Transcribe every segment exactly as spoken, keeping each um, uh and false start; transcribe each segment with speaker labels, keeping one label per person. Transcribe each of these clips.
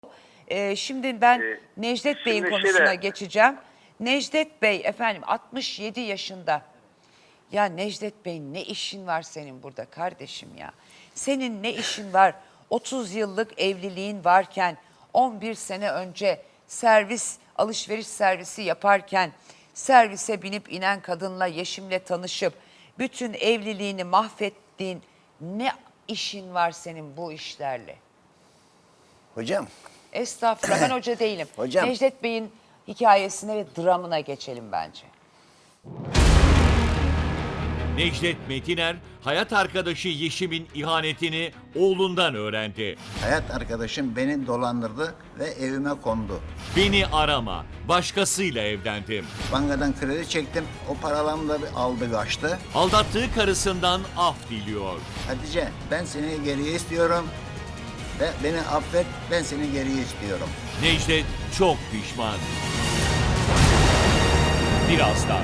Speaker 1: Ee, şimdi ben
Speaker 2: Ee,
Speaker 1: Necdet Bey'in
Speaker 2: şimdi
Speaker 1: konusuna
Speaker 2: şöyle-
Speaker 1: geçeceğim. Necdet Bey efendim altmış yedi yaşında. Ya Necdet Bey ne işin var senin burada kardeşim ya? Senin ne işin var? otuz yıllık evliliğin varken on bir sene önce servis alışveriş servisi yaparken servise binip inen kadınla Yeşim'le tanışıp bütün evliliğini mahvettiğin ne işin var senin bu işlerle?
Speaker 3: Hocam,
Speaker 1: Estağfurullah, ben hoca değilim.
Speaker 3: Hocam.
Speaker 1: Necdet Bey'in hikayesine ve dramına geçelim bence.
Speaker 4: Necdet Metiner, hayat arkadaşı Yeşim'in ihanetini oğlundan öğrendi.
Speaker 3: hayat arkadaşım beni dolandırdı ve evime kondu.
Speaker 4: Beni arama, başkasıyla evlendim.
Speaker 3: Bankadan kredi çektim, o paralarımı da bir aldı kaçtı.
Speaker 4: Aldattığı karısından af diliyor.
Speaker 3: Hatice, ben seni geriye istiyorum ve beni affet, ben seni geriye istiyorum.
Speaker 4: Necdet çok pişman. Birazdan.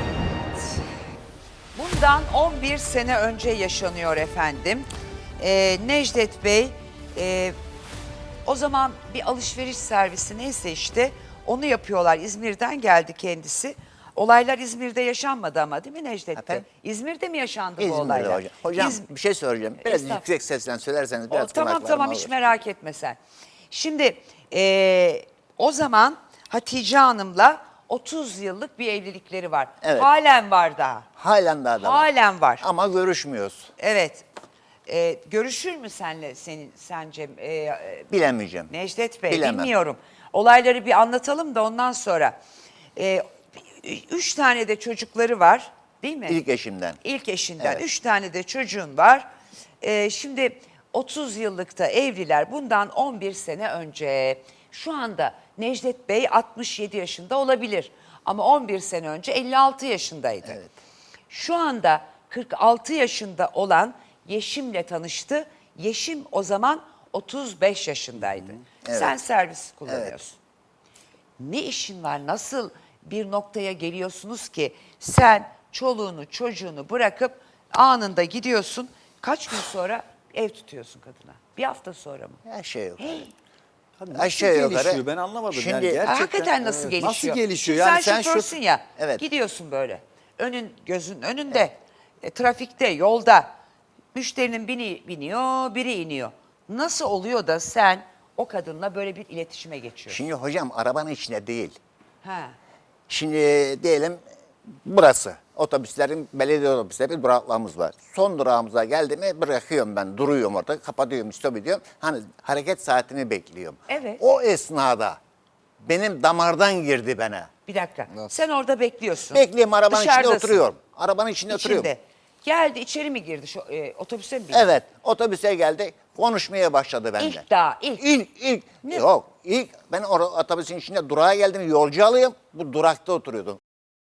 Speaker 1: Bundan on bir sene önce yaşanıyor efendim. Ee, Necdet Bey e, o zaman bir alışveriş servisi neyse işte onu yapıyorlar. İzmir'den geldi kendisi. Olaylar İzmir'de yaşanmadı ama değil mi Necdet Bey?
Speaker 3: Efendim?
Speaker 1: İzmir'de mi yaşandı bu
Speaker 3: İzmir'de
Speaker 1: olaylar?
Speaker 3: hocam. Hocam
Speaker 1: İz-
Speaker 3: bir şey söyleyeceğim. Biraz
Speaker 1: Estağfurullah.
Speaker 3: yüksek sesle söylerseniz
Speaker 1: O,
Speaker 3: biraz
Speaker 1: tamam
Speaker 3: kulaklarıma
Speaker 1: tamam hiç
Speaker 3: alır.
Speaker 1: merak etme sen. Şimdi e, o zaman Hatice Hanım'la otuz yıllık bir evlilikleri var.
Speaker 3: Evet.
Speaker 1: Halen var daha.
Speaker 3: Halen daha da var.
Speaker 1: Halen var.
Speaker 3: Ama görüşmüyoruz.
Speaker 1: Evet. Ee, görüşür mü senle senin sence e, e,
Speaker 3: Bilemeyeceğim.
Speaker 1: Necdet Bey?
Speaker 3: Bilemem.
Speaker 1: Bilmiyorum. Olayları bir anlatalım da ondan sonra. Ee, üç tane de çocukları var, değil mi?
Speaker 3: İlk eşimden.
Speaker 1: İlk eşinden.
Speaker 3: Evet.
Speaker 1: Üç tane de çocuğun var. Ee, şimdi otuz yıllıkta evliler. Bundan on bir sene önce. Şu anda Necdet Bey altmış yedi yaşında olabilir. Ama on bir sene önce elli altı yaşındaydı.
Speaker 3: Evet.
Speaker 1: Şu anda kırk altı yaşında olan Yeşim'le tanıştı. Yeşim o zaman otuz beş yaşındaydı.
Speaker 3: Evet.
Speaker 1: Sen servis kullanıyorsun. Ne işin var? Nasıl bir noktaya geliyorsunuz ki sen çoluğunu çocuğunu bırakıp anında gidiyorsun. Kaç gün sonra ev tutuyorsun kadına? Bir hafta sonra mı?
Speaker 3: Her şey yok.
Speaker 5: Abi nasıl
Speaker 3: Aşağı yukarı.
Speaker 5: gelişiyor ben anlamadım
Speaker 3: Şimdi-
Speaker 5: yani gerçekten.
Speaker 1: Hakikaten nasıl
Speaker 5: Evet.
Speaker 1: gelişiyor?
Speaker 5: Nasıl gelişiyor?
Speaker 1: Şimdi
Speaker 5: Yani
Speaker 1: sen,
Speaker 5: sen şu
Speaker 1: şoförsün ya.
Speaker 3: Evet.
Speaker 1: Gidiyorsun böyle. Önün gözün önünde. E, trafikte, yolda. Müşterinin biri biniyor, biri iniyor. Nasıl oluyor da sen o kadınla böyle bir iletişime geçiyorsun?
Speaker 3: Şimdi hocam arabanın içinde değil.
Speaker 1: Ha.
Speaker 3: Şimdi diyelim burası. Otobüslerin, belediye otobüsleri duraklarımız var. Son durağımıza geldi mi bırakıyorum ben. Duruyorum orada, kapatıyorum, stop ediyorum. Hani hareket saatini bekliyorum.
Speaker 1: Evet.
Speaker 3: O esnada benim damardan girdi bana.
Speaker 1: Bir dakika. Sen orada bekliyorsun.
Speaker 3: Bekliyorum, arabanın içinde
Speaker 1: Dışarıdasın.
Speaker 3: oturuyorum. Arabanın içinde oturuyorum.
Speaker 1: İçinde. Geldi içeri mi girdi? Şu, e, otobüse mi bindi?
Speaker 3: Evet, otobüse geldi, konuşmaya başladı benden.
Speaker 1: İlk daha, ilk.
Speaker 3: İlk, ilk.
Speaker 1: Ne?
Speaker 3: Yok, ilk ben or otobüsün içinde durağa geldim, yolcu alayım. Bu durakta oturuyordum.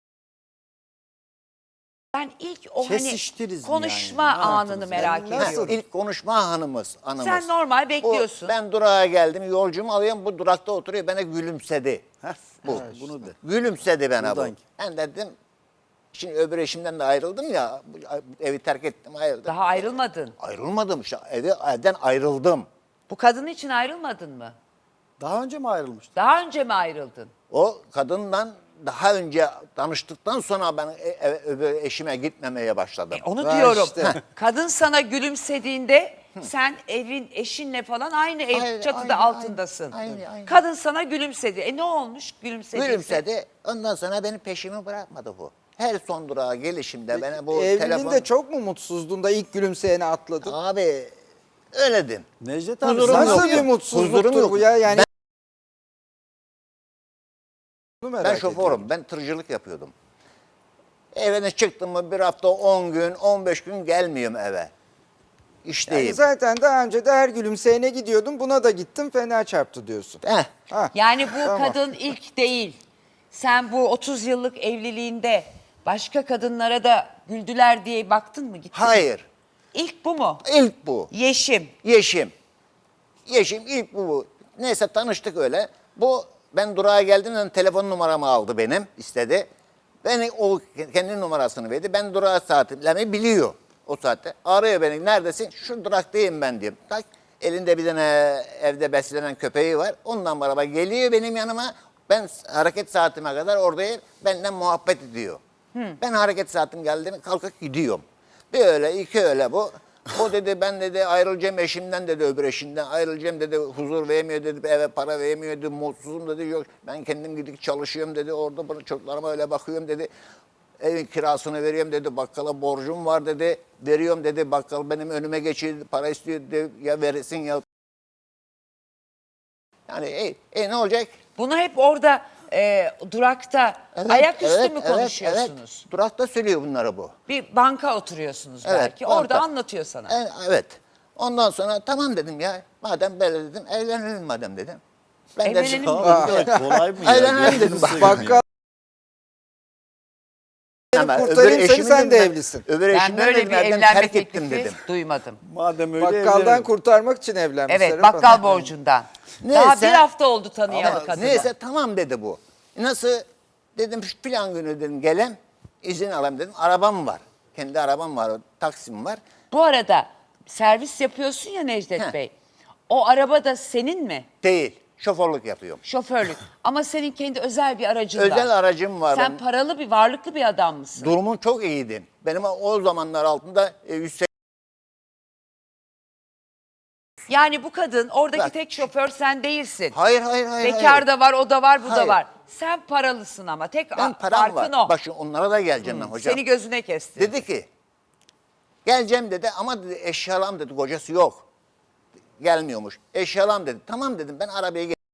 Speaker 1: Ben ilk o
Speaker 5: Kesiştiniz
Speaker 1: hani
Speaker 5: mi
Speaker 1: konuşma
Speaker 5: yani? Ne
Speaker 1: anını
Speaker 5: yaptınız?
Speaker 1: merak
Speaker 5: Yani
Speaker 1: ediyorum.
Speaker 5: nasıl?
Speaker 3: Ha, ilk konuşma hanımız, anımız.
Speaker 1: Sen normal bekliyorsun.
Speaker 3: Bu, ben durağa geldim, yolcumu alıyorum, bu durakta oturuyor, bana gülümsedi.
Speaker 5: Heh,
Speaker 3: Bu.
Speaker 5: evet, bunu de.
Speaker 3: Gülümsedi bana
Speaker 5: Buradan.
Speaker 3: bu. Ben dedim, şimdi öbür eşimden de ayrıldım ya, bu- evi terk ettim, ayrıldım.
Speaker 1: Daha ayrılmadın.
Speaker 3: Ayrılmadım işte, evi, evden ayrıldım.
Speaker 1: Bu kadın için ayrılmadın mı?
Speaker 5: Daha önce mi ayrılmıştın?
Speaker 1: Daha önce mi ayrıldın?
Speaker 3: O kadından daha önce tanıştıktan sonra ben e- e- öbür eşime gitmemeye başladım.
Speaker 1: E, onu
Speaker 5: Ben
Speaker 1: diyorum.
Speaker 5: işte.
Speaker 1: Kadın sana gülümsediğinde sen evin eşinle falan aynı ev
Speaker 3: Aynı,
Speaker 1: çatıda
Speaker 3: aynı,
Speaker 1: altındasın.
Speaker 3: aynı, aynı.
Speaker 1: Kadın sana gülümsedi. E ne olmuş gülümsediyse?
Speaker 3: Gülümsedi. Ondan sonra benim peşimi bırakmadı bu. Her son durağa gelişimde bana bu
Speaker 5: Evliliğinde
Speaker 3: telefon...
Speaker 5: çok mu mutsuzdun da ilk gülümseyene atladın?
Speaker 3: Abi öyledim.
Speaker 5: Necdet abi
Speaker 3: Huzurum
Speaker 5: nasıl
Speaker 3: yok.
Speaker 5: bir mutsuzluktur
Speaker 3: Huzurum yok.
Speaker 5: bu ya? Yani
Speaker 3: Ben-
Speaker 5: Bunu merak
Speaker 3: Ben
Speaker 5: ediyorum.
Speaker 3: şoförüm. Ben tırcılık yapıyordum. Evine çıktım mı bir hafta on gün, on beş gün gelmiyorum eve. İşteyim.
Speaker 5: Yani zaten daha önce de her gülümseyene gidiyordun. Buna da gittim fena çarptı diyorsun.
Speaker 3: Heh.
Speaker 5: Ha.
Speaker 1: Yani bu
Speaker 5: Tamam.
Speaker 1: kadın ilk değil. Sen bu otuz yıllık evliliğinde başka kadınlara da güldüler diye baktın mı? Gittin mi?
Speaker 3: Hayır.
Speaker 1: İlk bu mu?
Speaker 3: İlk bu.
Speaker 1: Yeşim.
Speaker 3: Yeşim. Yeşim ilk bu. bu. Neyse tanıştık öyle. Bu ben durağa geldiğimde telefon numaramı aldı benim, istedi. Beni o kendi numarasını verdi. Ben durağa saatimi biliyor o saatte. Arıyor beni, neredesin? Şu duraktayım ben diyorum. Tak, Elinde bir tane evde beslenen köpeği var. Ondan beraber geliyor benim yanıma. Ben hareket saatime kadar oradayım. Benden muhabbet ediyor. Ben hareket saatim geldi mi kalkıp gidiyorum. Bir öyle iki öyle bu. O dedi ben dedi ayrılacağım eşimden dedi öbür eşinden ayrılacağım dedi huzur vermiyor dedi eve para vermiyor dedi mutsuzum dedi yok ben kendim gidip çalışıyorum dedi orada bana çocuklarıma öyle bakıyorum dedi. Evin kirasını veriyorum dedi bakkala borcum var dedi veriyorum dedi bakkal benim önüme geçiyor para istiyor dedi ya verirsin ya. Yani e, e ne olacak?
Speaker 1: Bunu hep orada e, durakta
Speaker 3: Evet,
Speaker 1: ayaküstü
Speaker 3: evet,
Speaker 1: mü
Speaker 3: evet,
Speaker 1: konuşuyorsunuz?
Speaker 3: Evet. Durakta söylüyor bunları bu.
Speaker 1: Bir banka oturuyorsunuz
Speaker 3: Evet,
Speaker 1: belki.
Speaker 3: banka.
Speaker 1: Orada anlatıyor sana.
Speaker 3: E, Evet. Ondan sonra tamam dedim ya. Madem böyle dedim evlenelim madem dedim. Ben
Speaker 1: Evlenelim
Speaker 3: de
Speaker 1: mi?
Speaker 2: Abi, kolay mı ya?
Speaker 3: Evlenelim dedim.
Speaker 2: Gözünü
Speaker 3: Bak,
Speaker 2: seveyim ya.
Speaker 5: Bakkal
Speaker 3: Ama
Speaker 5: kurtarayım
Speaker 3: öbür
Speaker 5: seni,
Speaker 3: eşimi
Speaker 5: sen de
Speaker 3: dedim ben-
Speaker 5: evlisin.
Speaker 3: Öbür
Speaker 1: Ben
Speaker 3: eşimden
Speaker 1: böyle
Speaker 3: dedim,
Speaker 1: bir
Speaker 3: evden
Speaker 1: evlenme
Speaker 3: terk ettim
Speaker 1: teklifi
Speaker 3: dedim.
Speaker 1: duymadım.
Speaker 2: Madem öyle
Speaker 5: bakkaldan
Speaker 2: evlenelim.
Speaker 5: kurtarmak için evlenmiş.
Speaker 1: Evet,
Speaker 5: Serap
Speaker 1: bakkal
Speaker 5: Hanım.
Speaker 1: borcundan.
Speaker 3: Neyse.
Speaker 1: Daha bir hafta oldu tanıyalı
Speaker 3: Ama
Speaker 1: kadını.
Speaker 3: neyse tamam dedi bu. Nasıl dedim şu plan günü dedim gelem izin alayım dedim. Arabam var. Kendi arabam var. Taksim var.
Speaker 1: Bu arada servis yapıyorsun ya Necdet
Speaker 3: Heh.
Speaker 1: Bey. O araba da senin mi?
Speaker 3: Değil. Şoförlük yapıyorum.
Speaker 1: Şoförlük. Ama senin kendi özel bir aracın var.
Speaker 3: Özel aracım var.
Speaker 1: Sen
Speaker 3: benim.
Speaker 1: paralı bir, varlıklı bir adam mısın?
Speaker 3: Durumum çok iyiydi. Benim o zamanlar altında e, yüz seksen
Speaker 1: Yani bu kadın oradaki
Speaker 3: Bak.
Speaker 1: tek şoför sen değilsin.
Speaker 3: Hayır hayır hayır.
Speaker 1: Bekar
Speaker 3: hayır.
Speaker 1: da var, o da var, bu da
Speaker 3: Hayır.
Speaker 1: var. Sen paralısın ama tek
Speaker 3: Ben
Speaker 1: a-
Speaker 3: param
Speaker 1: farkın
Speaker 3: var.
Speaker 1: o.
Speaker 3: Bak şimdi onlara da geleceğim ben hocam.
Speaker 1: Seni gözüne kesti.
Speaker 3: Dedi ki geleceğim dedi ama dedi eşyalam dedi kocası yok. Gelmiyormuş. Eşyalam dedi. Tamam dedim ben arabaya gel.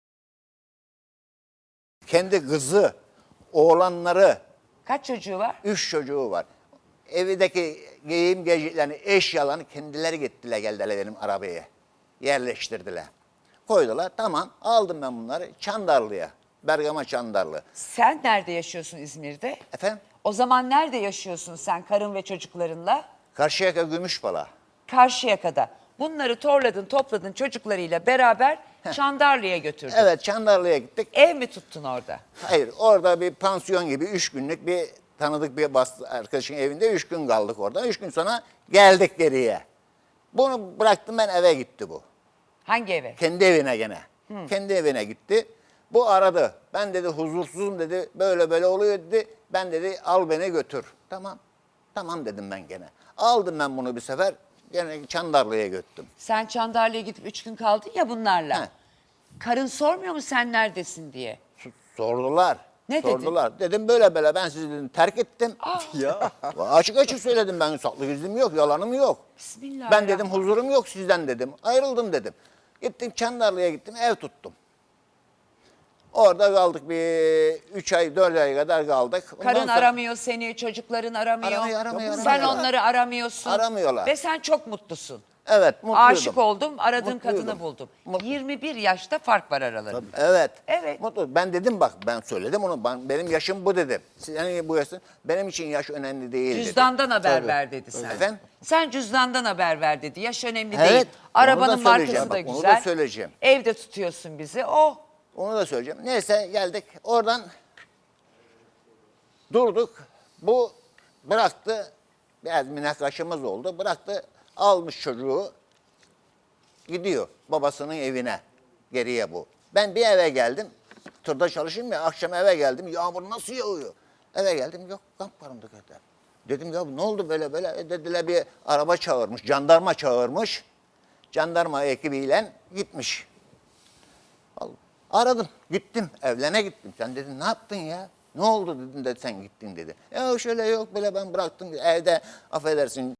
Speaker 3: Kendi kızı, oğlanları,
Speaker 1: Kaç çocuğu var?
Speaker 3: üç çocuğu var. Evdeki giyim geciklerini, eşyalarını kendileri gittiler geldiler benim arabaya. Yerleştirdiler. Koydular tamam aldım ben bunları Çandarlı'ya. Bergama Çandarlı.
Speaker 1: Sen nerede yaşıyorsun İzmir'de?
Speaker 3: Efendim?
Speaker 1: O zaman nerede yaşıyorsun sen karın ve çocuklarınla?
Speaker 3: Karşıyaka Gümüşbala.
Speaker 1: Karşıyaka'da. Bunları torladın, topladın çocuklarıyla beraber Çandarlı'ya götürdün.
Speaker 3: Evet Çandarlı'ya gittik.
Speaker 1: Ev mi tuttun orada?
Speaker 3: Hayır orada bir pansiyon gibi üç günlük bir tanıdık bir bastı, arkadaşın evinde üç gün kaldık orada. Üç gün sonra geldik geriye. Bunu bıraktım ben eve gitti bu.
Speaker 1: Hangi eve?
Speaker 3: Kendi evine gene. Kendi evine gitti. Bu aradı. Ben dedi huzursuzum dedi. Böyle böyle oluyor dedi. Ben dedi al beni götür. Tamam. Tamam dedim ben gene. Aldım ben bunu bir sefer. Gene Çandarlı'ya götürdüm.
Speaker 1: Sen Çandarlı'ya gidip üç gün kaldın ya bunlarla.
Speaker 3: He.
Speaker 1: Karın sormuyor mu sen neredesin diye?
Speaker 3: Sordular.
Speaker 1: Ne dedin?
Speaker 3: Sordular. Dedim böyle böyle ben sizi dedim, terk ettim.
Speaker 2: Ya.
Speaker 3: Açık açık söyledim ben saklı gizlim yok, yalanım yok. Ben dedim huzurum yok sizden dedim. Ayrıldım dedim. Gittim Çandarlı'ya gittim ev tuttum. Orada kaldık bir üç ay dört ay kadar kaldık. Ondan
Speaker 1: Karın
Speaker 3: sonra-
Speaker 1: aramıyor seni, çocukların aramıyor.
Speaker 3: Aramıyor, aramıyor,
Speaker 1: Sen
Speaker 3: aramıyorlar.
Speaker 1: onları aramıyorsun.
Speaker 3: Aramıyorlar.
Speaker 1: Ve sen çok mutlusun.
Speaker 3: Evet mutluydum.
Speaker 1: Aşık oldum, aradığım
Speaker 3: Mutluydum.
Speaker 1: kadını buldum.
Speaker 3: Mutlu-
Speaker 1: yirmi bir yaşta fark var aralarında.
Speaker 3: Evet.
Speaker 1: Evet.
Speaker 3: Mutlu. Ben dedim bak ben söyledim onu. Ben, benim yaşım bu dedim. Senin bu yaşın benim için yaş önemli değil dedim.
Speaker 1: Cüzdandan haber
Speaker 5: Tabii.
Speaker 1: ver dedi sen.
Speaker 3: Efendim?
Speaker 1: Sen cüzdandan haber ver dedi. Yaş önemli
Speaker 3: Evet,
Speaker 1: değil.
Speaker 3: onu
Speaker 1: Arabanın
Speaker 3: da söyleyeceğim.
Speaker 1: markası da
Speaker 3: Bak, onu
Speaker 1: güzel.
Speaker 3: da söyleyeceğim.
Speaker 1: Evde tutuyorsun bizi. Oh.
Speaker 3: Onu da söyleyeceğim. Neyse geldik oradan durduk. Bu bıraktı. Biraz münakaşamız oldu. Bıraktı almış çocuğu gidiyor babasının evine. Geriye bu. Ben bir eve geldim. Tırda çalışayım ya akşam eve geldim. Yağmur nasıl yağıyor? Eve geldim yok kamp varımdı kadar. Dedim ya ne oldu böyle böyle? E dediler bir araba çağırmış. Jandarma çağırmış. Jandarma ekibiyle gitmiş. Aradım, gittim, evlene gittim. Sen dedin ne yaptın ya? Ne oldu dedim de sen gittin dedi. Ya şöyle yok böyle ben bıraktım evde affedersin.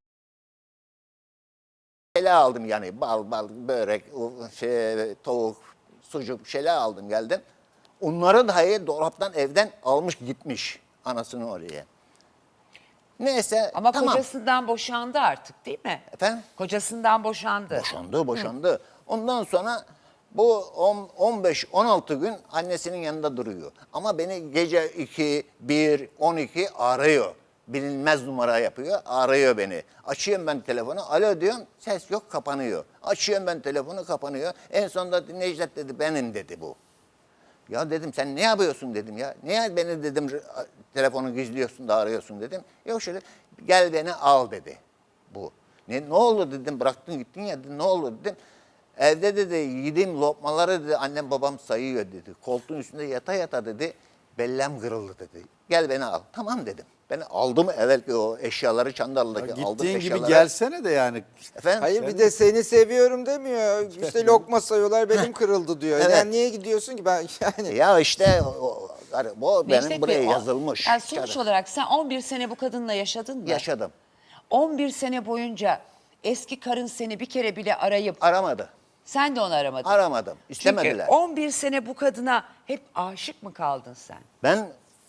Speaker 3: Şeyler aldım yani bal bal börek, şey, tavuk, sucuk şeyler aldım geldim. Onları dahi dolaptan evden almış gitmiş anasını oraya. Neyse
Speaker 1: Ama
Speaker 3: tamam.
Speaker 1: kocasından boşandı artık değil mi?
Speaker 3: Efendim?
Speaker 1: Kocasından boşandı.
Speaker 3: Boşandı, boşandı. Ondan sonra bu on beş on altı gün annesinin yanında duruyor. Ama beni gece iki, bir, on iki arıyor. Bilinmez numara yapıyor, arıyor beni. Açıyorum ben telefonu, alo diyorum, ses yok, kapanıyor. Açıyorum ben telefonu, kapanıyor. En sonunda Necdet dedi, benim dedi bu. Ya dedim sen ne yapıyorsun dedim ya. Niye beni dedim telefonu gizliyorsun da arıyorsun dedim. Yok şöyle gel beni al dedi bu. Ne, ne oldu dedim bıraktın gittin ya dedim, ne oldu dedim. Evde dedi yediğim lokmaları dedi annem babam sayıyor dedi. Koltuğun üstünde yata yata dedi bellem kırıldı dedi. Gel beni al. Tamam dedim. Beni aldım evvelki o eşyaları Çandarlı'daki aldım
Speaker 2: Gittiğin gibi
Speaker 3: eşyaları.
Speaker 2: gelsene de yani.
Speaker 3: Efendim?
Speaker 5: Hayır bir de seni seviyorum demiyor. İşte lokma sayıyorlar benim kırıldı diyor.
Speaker 3: Evet.
Speaker 5: Yani niye gidiyorsun ki ben yani.
Speaker 3: Ya işte o, o, o benim
Speaker 1: Necdet
Speaker 3: buraya
Speaker 1: Bey, o-
Speaker 3: yazılmış.
Speaker 1: Yani sonuç
Speaker 3: Kağıda.
Speaker 1: olarak sen on bir sene bu kadınla yaşadın mı?
Speaker 3: Yaşadım.
Speaker 1: on bir sene boyunca eski karın seni bir kere bile arayıp
Speaker 3: Aramadı.
Speaker 1: sen de onu aramadın.
Speaker 3: Aramadım. İstemediler.
Speaker 1: Çünkü on bir sene bu kadına hep aşık mı kaldın sen?
Speaker 3: Ben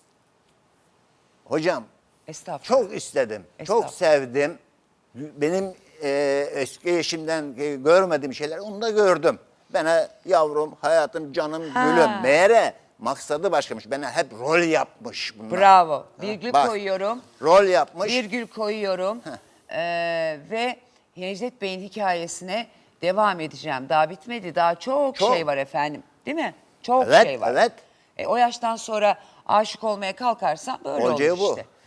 Speaker 3: hocam
Speaker 1: Estağfurullah.
Speaker 3: çok istedim. Çok
Speaker 1: Estağfurullah.
Speaker 3: sevdim. Benim e, eski eşimden e, görmediğim şeyler onu da gördüm. Bana yavrum, hayatım, canım,
Speaker 1: Ha.
Speaker 3: gülüm. Meğere maksadı başkamış. Bana hep rol yapmış bunlar.
Speaker 1: Bravo. Virgül
Speaker 3: Bak,
Speaker 1: koyuyorum.
Speaker 3: Rol yapmış.
Speaker 1: Virgül koyuyorum. Ee, ve Necdet Bey'in hikayesine devam edeceğim. Daha bitmedi. Daha çok,
Speaker 3: Çok.
Speaker 1: şey var efendim. Değil mi? Çok
Speaker 3: Evet,
Speaker 1: şey var.
Speaker 3: evet.
Speaker 1: E, o yaştan sonra aşık olmaya kalkarsan böyle
Speaker 3: Olacağı
Speaker 1: olur
Speaker 3: bu.
Speaker 1: işte.